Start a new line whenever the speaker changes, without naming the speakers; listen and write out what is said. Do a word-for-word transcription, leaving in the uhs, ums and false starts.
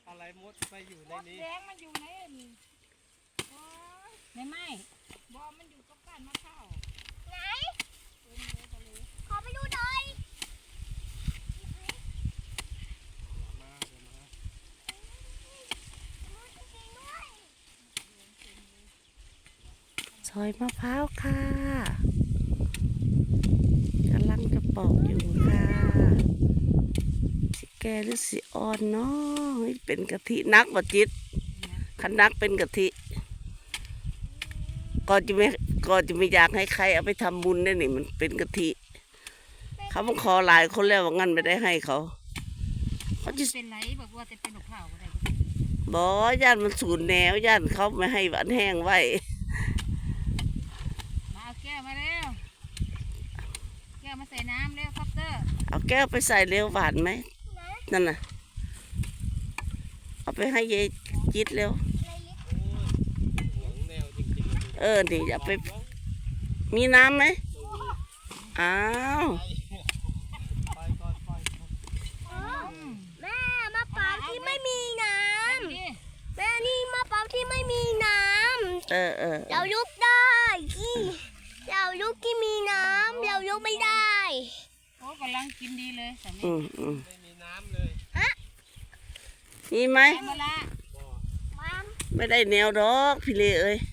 อะไรมดไปอยู่ใน
มด
นี้
แดงมันอยู่ในนี่โอ้ย
ไม่ไหม
บอมันอยู่กับก้านมะพร้าว
ไหน
เต็มเลยทะเล
ขอไปดูหน่อย
มาเดี๋ยวมา
ดูจริงๆด้วย
ซอยมะพร้าวค่ะกำลังจะปอกอยู่ค่ะสิแกหรือสิอ่อนเนาะเฮ้ยเป็นกะทินักบ่จิตคันนักเป็นกะทิก็จะไม่ก็จะไม่อยากให้ใครเอาไปทำบุญได้นี่มันเป็นกะทิเขาบังขอหลายคนแล้วว่างั้นไม่ได้ให้เขาเขาจะ
เป็นไรบอกว่าจะเป็นหนกข้าวอะไร
บอกย่านมันสูญแนวย่านเขาไม่ให้หวานแห้งไว้
มาเอาแก้วมาเร็วแก้วมาใส่น้ำเร็วคอปเตอร์
เอาแก้วไปใส่เร็วหวานไหมนั่นน่ะเอาไปให้ยายจิตเร็ว
ห่วงแนวจริงๆ
เออนี่อย่าไปมีน้ำไหมอ้าว
ไปก่อนไปก่อน
อ๋อแม่มะพร้าวที่ไม่มีน้
นี่
ำแม่นี่มะพร้าวที่ไม่มีน้
เออเออ
ำเรายุบได้ที่เรายุบที่มีน้ำเรายุบไม่ได้
โอ้กำลังกินดีเลยสามี
อืมอืม
ไม่มีน้ำเลย
มีไหม
เอามาละ
บ่อ
มัม
ไม่ได้แนวดอกพี่เลเอ้ย